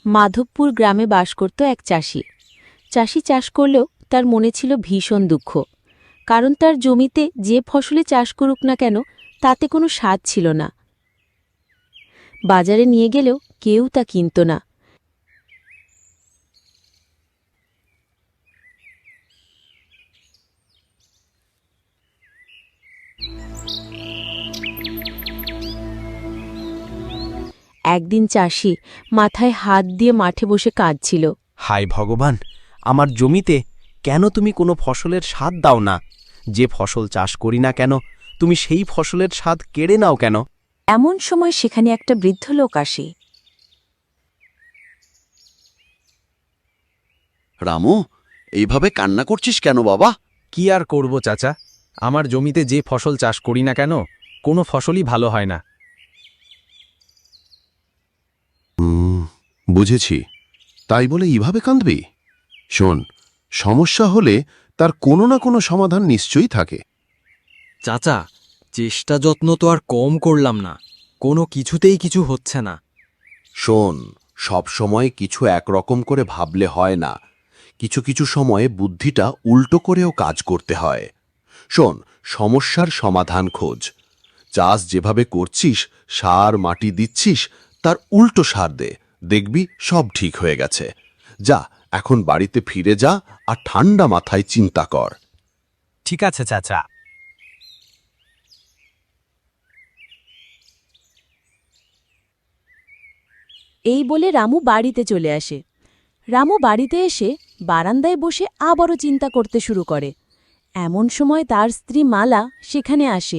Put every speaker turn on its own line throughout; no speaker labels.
মাধবপুর গ্রামে বাস করত এক চাষি। চাষি চাষ করলেও তার মনে ছিল ভীষণ দুঃখ, কারণ তার জমিতে যে ফসলে চাষ করুক না কেন তাতে কোনো স্বাদ ছিল না। বাজারে নিয়ে গেলেও কেউ তা কিনত না। একদিন চাষি মাথায় হাত দিয়ে মাঠে বসে কাঁদছিল।
হায় ভগবান, আমার জমিতে কেন তুমি কোনো ফসলের স্বাদ দাও না? যে ফসল চাষ করি না কেন তুমি সেই ফসলের স্বাদ কেড়ে নাও কেন?
এমন সময় সেখানে একটা বৃদ্ধ লোক আসে।
রামু, এইভাবে কান্না করছিস কেন বাবা?
কি আর করব চাচা, আমার জমিতে যে ফসল চাষ করি না কেন কোনো ফসলই ভালো হয় না।
বুঝেছি, তাই বলে এইভাবে কাঁদবি? শোন, সমস্যা হলে তার কোনো না কোনো সমাধান নিশ্চয়ই থাকে।
চাচা, চেষ্টা যত্ন তো আর কম করলাম না, কোনো কিছুতেই কিছু হচ্ছে না।
শোন, সব সময় কিছু একরকম করে ভাবলে হয় না। কিছু কিছু সময়ে বুদ্ধিটা উল্টো করেও কাজ করতে হয়। শোন, সমস্যার সমাধান খোঁজ। চাষ যেভাবে করছিস, সার মাটি দিচ্ছিস, তার উল্টো সার দে, দেখবি সব ঠিক হয়ে গেছে। যা, এখন বাড়িতে ফিরে যা আর ঠান্ডা মাথায় চিন্তা কর।
ঠিক আছে চাচা।
এই বলে রামু বাড়িতে চলে আসে। রামু বাড়িতে এসে বারান্দায় বসে আবারও চিন্তা করতে শুরু করে। এমন সময় তার স্ত্রী মালা সেখানে আসে।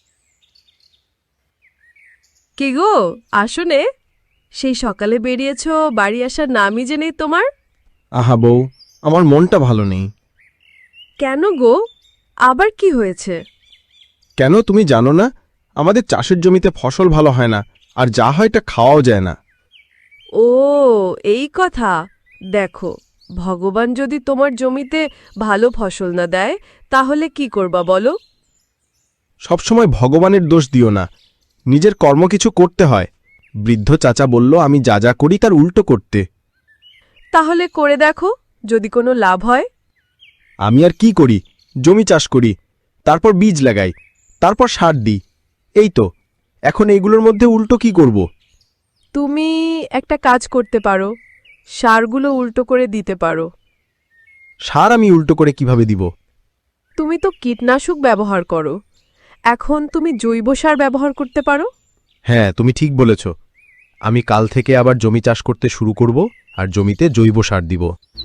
কে গো, আসনে? সেই সকালে বেরিয়েছ, বাড়ি আসার নামই যে নেই তোমার।
আহা বউ, আমার মনটা ভালো নেই।
কেন গো, আবার কি হয়েছে?
কেন তুমি জানো না, আমাদের চাষের জমিতে ফসল ভালো হয় না, আর যা হয় তা খাওয়াও যায় না।
ও, এই কথা। দেখো, ভগবান যদি তোমার জমিতে ভালো ফসল না দেয় তাহলে কি করবা বলো?
সবসময় ভগবানের দোষ দিও না, নিজের কর্ম কিছু করতে হয়। বৃদ্ধ চাচা বলল আমি যা যা করি তার উল্টো করতে।
তাহলে করে দেখো, যদি কোনো লাভ হয়।
আমি আর কি করি, জমি চাষ করি, তারপর বীজ লাগাই, তারপর সার দিই, এই তো। এখন এইগুলোর মধ্যে উল্টো কি করব?
তুমি একটা কাজ করতে পারো, সারগুলো উল্টো করে দিতে পারো।
সার আমি উল্টো করে কিভাবে দিব?
তুমি তো কীটনাশক ব্যবহার করো, এখন তুমি জৈব সার ব্যবহার করতে পারো।
হ্যাঁ, তুমি ঠিক বলেছ। আমি কাল থেকে আবার জমি চাষ করতে শুরু করব আর জমিতে জৈব সার দিব।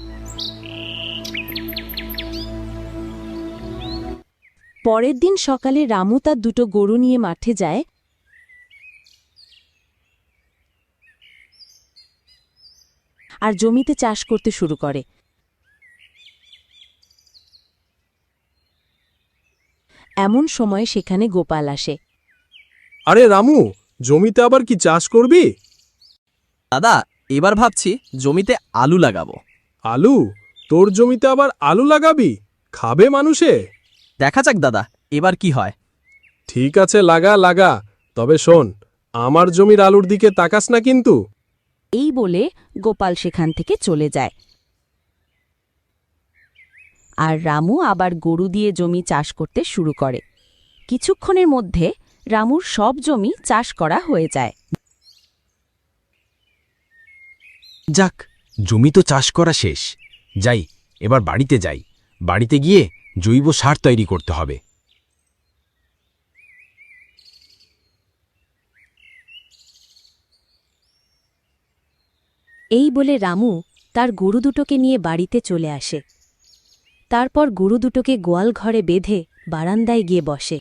পরের দিন সকালে রামু তার দুটো গরু নিয়ে মাঠে যায়। আর জমিতে চাষ করতে শুরু করে। এমন সময় সেখানে গোপাল আসে।
আরে রামু, জমিতে আবার কি চাষ করবি?
দাদা, এবার ভাবছি জমিতে আলু লাগাবো।
আলু? তোর জমিতে আবার আলু লাগাবি? খাবে মানুষে?
দেখা যাক দাদা, এবার কি হয়।
ঠিক আছে, লাগা লাগা, তবে শোন, আমার জমির আলুর দিকে তাকাস না কিন্তু।
এই বলে গোপাল সেখান থেকে চলে যায়। আর রামু আবার গরু দিয়ে জমি চাষ করতে শুরু করে। কিছুক্ষণের মধ্যে রামুর সব জমি চাষ করা হয়ে যায়।
যাক, জমি তো চাষ করা শেষ। যাই, এবার বাড়িতে যাই। বাড়িতে গিয়ে জৈব সার তৈরি করতে হবে।
এই বলে রামু তার গরু দুটোকে নিয়ে বাড়িতে চলে আসে। তারপর গরু দুটোকে গোয়াল ঘরে বেঁধে বারান্দায় গিয়ে বসে।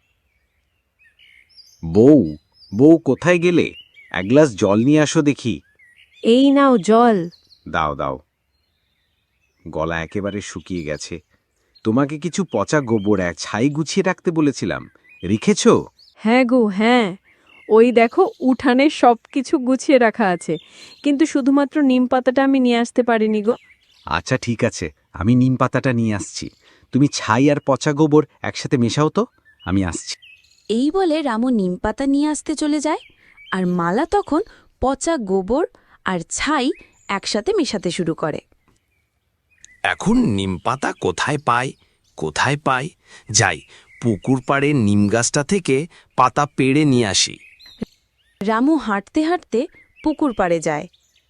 বউ, বউ কোথায় গেলে? এক গ্লাস জল নিয়ে আসো দেখি।
এই নাও জল।
দাও দাও। গলা একেবারে শুকিয়ে গেছে। তোমাকে কিছু পচা গোবর ছাই গুছিয়ে রাখতে বলেছিলাম, রেখেছ?
হ্যাঁ গো, হ্যাঁ, ওই দেখো উঠানে সবকিছু গুছিয়ে রাখা আছে, কিন্তু শুধুমাত্র নিম পাতাটা আমি নিয়ে আসতে পারিনি গো।
আচ্ছা ঠিক আছে, আমি নিম পাতাটা নিয়ে আসছি। তুমি ছাই আর পচা গোবর একসাথে মেশাও তো, আমি আসছি।
এই বলে রামু নিমপাতা নিয়ে আসতে চলে যায়। আর মালা তখন পচা গোবর আর ছাই একসাথে মেশাতে শুরু করে।
এখন নিমপাতা কোথায় পাই যাই, পুকুর পাড়ে নিম গাছটা থেকে পাতা পেড়ে নিয়ে আসি।
রামু হাঁটতে হাঁটতে পুকুর পাড়ে যায়।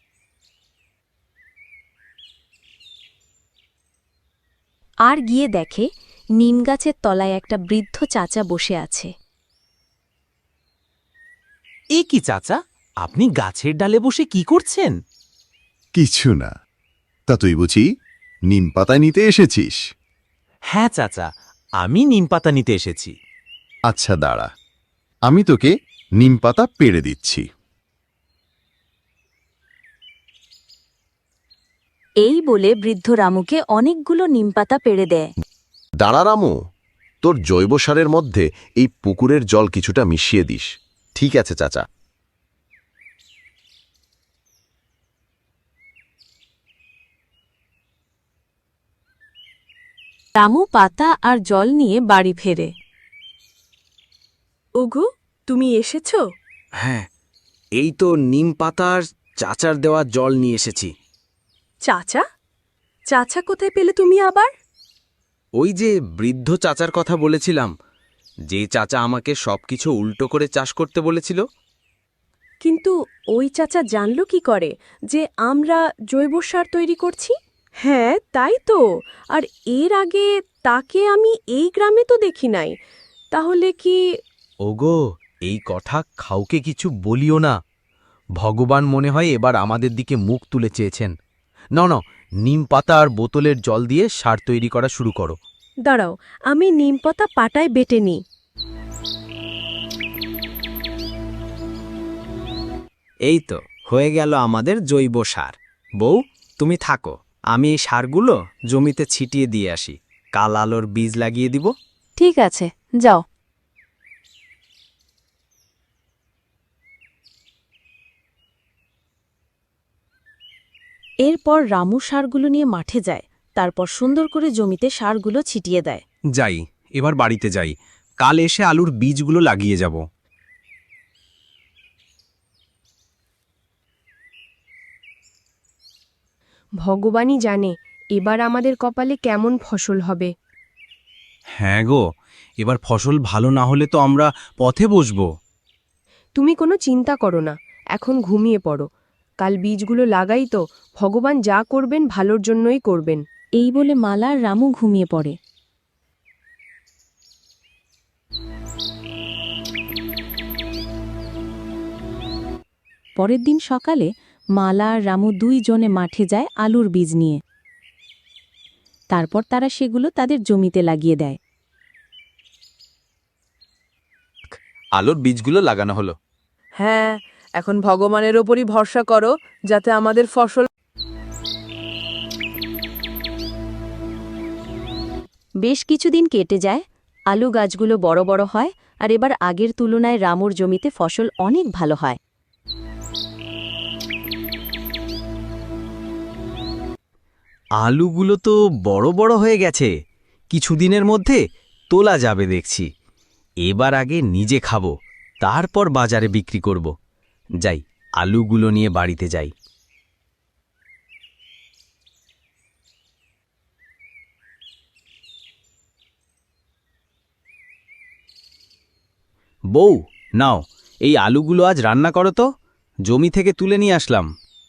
আর গিয়ে দেখে নিম গাছের তলায় একটা বৃদ্ধ চাচা বসে আছে।
এ কি চাচা, আপনি গাছের ডালে বসে কি করছেন?
কিছু না। তা তুই বুঝি নিম পাতা নিতে এসেছিস?
হ্যাঁ চাচা, আমি নিম পাতা নিতে এসেছি।
আচ্ছা দাঁড়া, আমি তোকে নিম পাতা পেড়ে দিচ্ছি।
এই বলে বৃদ্ধ রামুকে অনেকগুলো নিমপাতা পেড়ে দেয়।
দাঁড়া রামু, তোর জৈব সারের মধ্যে এই পুকুরের জল কিছুটা মিশিয়ে দিস। ঠিক আছে চাচা।
রামু পাতা আর জল নিয়ে বাড়ি ফেরে।
ওগো, তুমি এসেছো?
হ্যাঁ, এই তো নিম পাতার চাচার দেওয়া জল নিয়ে এসেছি।
চাচা? চাচা কোথায় পেলে তুমি আবার?
ওই যে বৃদ্ধ চাচার কথা বলেছিলাম, যে চাচা আমাকে সবকিছু উল্টো করে চাষ করতে বলেছিল।
কিন্তু ওই চাচা জানলো কি করে যে আমরা জৈব সার তৈরি করছি? হ্যাঁ, তাই তো। আর এর আগে তাকে আমি এই গ্রামে তো দেখি নাই। তাহলে কি?
ওগো, এই কথা কাউকে কিছু বলিও না। ভগবান মনে হয় এবার আমাদের দিকে মুখ তুলে চেয়েছেন। না, নিম পাতা আর বোতলের জল দিয়ে সার তৈরি করা শুরু করো।
দাঁড়াও, আমি নিমপাতা পাটায় বেটে নিই।
এই তো হয়ে গেল আমাদের জৈব সার। বউ, তুমি থাকো, আমি এই সারগুলো জমিতে ছিটিয়ে দিয়ে আসি। কাল আলোর বীজ লাগিয়ে দিব।
ঠিক আছে, যাও। এরপর রামু সারগুলো নিয়ে মাঠে যায়। তারপর সুন্দর করে জমিতে সারগুলো ছিটিয়ে দেয়।
যাই, এবার বাড়িতে যাই। কাল এসে আলুর বীজগুলো লাগিয়ে যাব।
ভগবানই জানে এবার আমাদের কপালে কেমন ফসল হবে।
হ্যাঁ গো, এবার ফসল ভালো না হলে তো আমরা পথে বসবো।
তুমি কোনো চিন্তা করো না, এখন ঘুমিয়ে পড়ো। কাল বীজগুলো লাগাই তো, ভগবান যা করবেন ভালোর জন্যই করবেন।
এই বলে মালা আর রামু ঘুমিয়ে পড়ে। পরের দিন সকালে মালা আর রামু দুইজনে মাঠে যায় আলুর বীজ নিয়ে। তারপর তারা সেগুলো তাদের জমিতে লাগিয়ে দেয়।
আলুর বীজগুলো লাগানো হলো।
হ্যাঁ, এখন ভগবানের ওপরই ভরসা করো যাতে আমাদের ফসল।
বেশ কিছুদিন কেটে যায়। আলু গাছগুলো বড় বড় হয় আর এবার আগের তুলনায় রামুর জমিতে ফসল অনেক ভালো হয়।
আলুগুলো তো বড় বড় হয়ে গেছে, কিছুদিনের মধ্যে তোলা যাবে দেখছি। এবার আগে নিজে খাবো, তারপর বাজারে বিক্রি করব। যাই, আলুগুলো নিয়ে বাড়িতে যাই। বউ, নাও, এই আলুগুলো আজ রান্না করো তো। জমি থেকে তুলে নিয়ে আসলাম।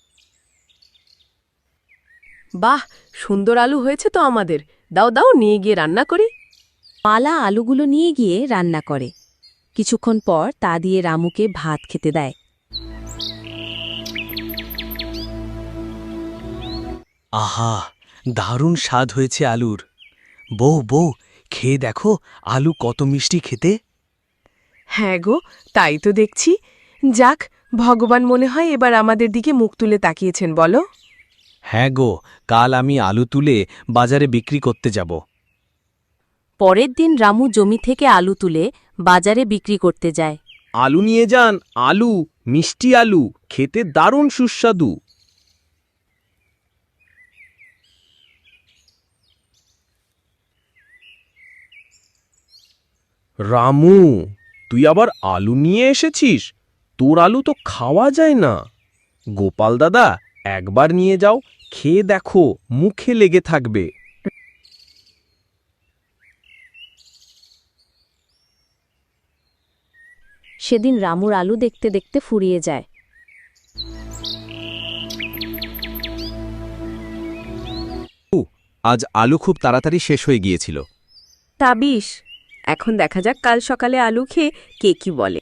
বাহ, সুন্দর আলু হয়েছে তো আমাদের। দাও দাও, নিয়ে গিয়ে রান্না করি।
মালা আলুগুলো নিয়ে গিয়ে রান্না করে। কিছুক্ষণ পর তা দিয়ে রামুকে ভাত খেতে দেয়।
আহা, দারুণ স্বাদ হয়েছে আলুর। বউ, খেয়ে দেখো আলু কত মিষ্টি খেতে।
হ্যাঁ গো, তাই তো দেখছি। যাক, ভগবান মনে হয় এবার আমাদের দিকে মুখ তুলে তাকিয়েছেন, বলো।
হ্যাঁ গো, কাল আমি আলু তুলে বাজারে বিক্রি করতে যাব।
পরের দিন রামু জমি থেকে আলু তুলে বাজারে বিক্রি করতে যায়।
আলু নিয়ে যান, আলু, মিষ্টি আলু, খেতে দারুণ সুস্বাদু।
রামু, তুই আবার আলু নিয়ে এসেছিস? তোর আলু তো খাওয়া যায় না।
গোপাল দাদা একবার নিয়ে যাও, খেয়ে দেখো, মুখে লেগে থাকবে।
সেদিন রামুর আলু দেখতে দেখতে ফুরিয়ে যায়।
আজ আলু খুব তাড়াতাড়ি শেষ হয়ে গিয়েছিল।
তা বিষ, এখন দেখা যাক কাল সকালে আলু খেয়ে কে কি বলে।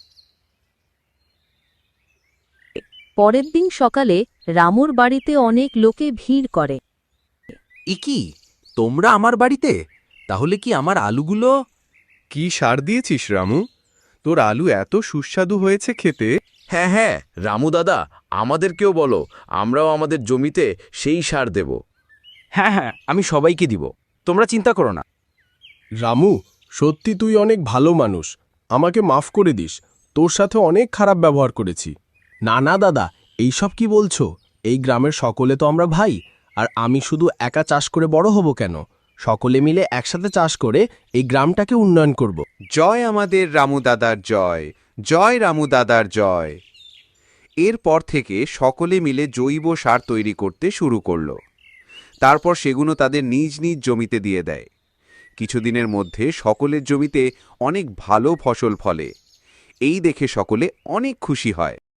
পরের দিন সকালে রামুর বাড়িতে অনেক লোকে ভিড় করে।
কি তোমরা আমার বাড়িতে? তাহলে কি আমার আলুগুলো?
কি সার দিয়েছিস রামু? তোর আলু এত সুস্বাদু হয়েছে খেতে।
হ্যাঁ হ্যাঁ, রামু দাদা, আমাদেরকেও বলো, আমরাও আমাদের জমিতে সেই সার দেব।
হ্যাঁ হ্যাঁ, আমি সবাইকে দিব, তোমরা চিন্তা করো না।
রামু, সত্যি তুই অনেক ভালো মানুষ। আমাকে মাফ করে দিস, তোর সাথে অনেক খারাপ ব্যবহার করেছি। না না দাদা, এইসব কি বলছো? এই গ্রামের সকলে তো আমরা ভাই, আর আমি শুধু একা চাষ করে বড় হব কেন? সকলে মিলে একসাথে চাষ করে এই গ্রামটাকে উন্নয়ন করব।
জয় আমাদের রামু দাদার জয়, জয় রামু দাদার জয়। এরপর থেকে সকলে মিলে জৈব সার তৈরি করতে শুরু করল। তারপর সেগুলো তাদের নিজ নিজ জমিতে দিয়ে দেয়। কিছুদিনের মধ্যে সকলের জমিতে অনেক ভালো ফসল ফলে। এই দেখে সকলে অনেক খুশি হয়।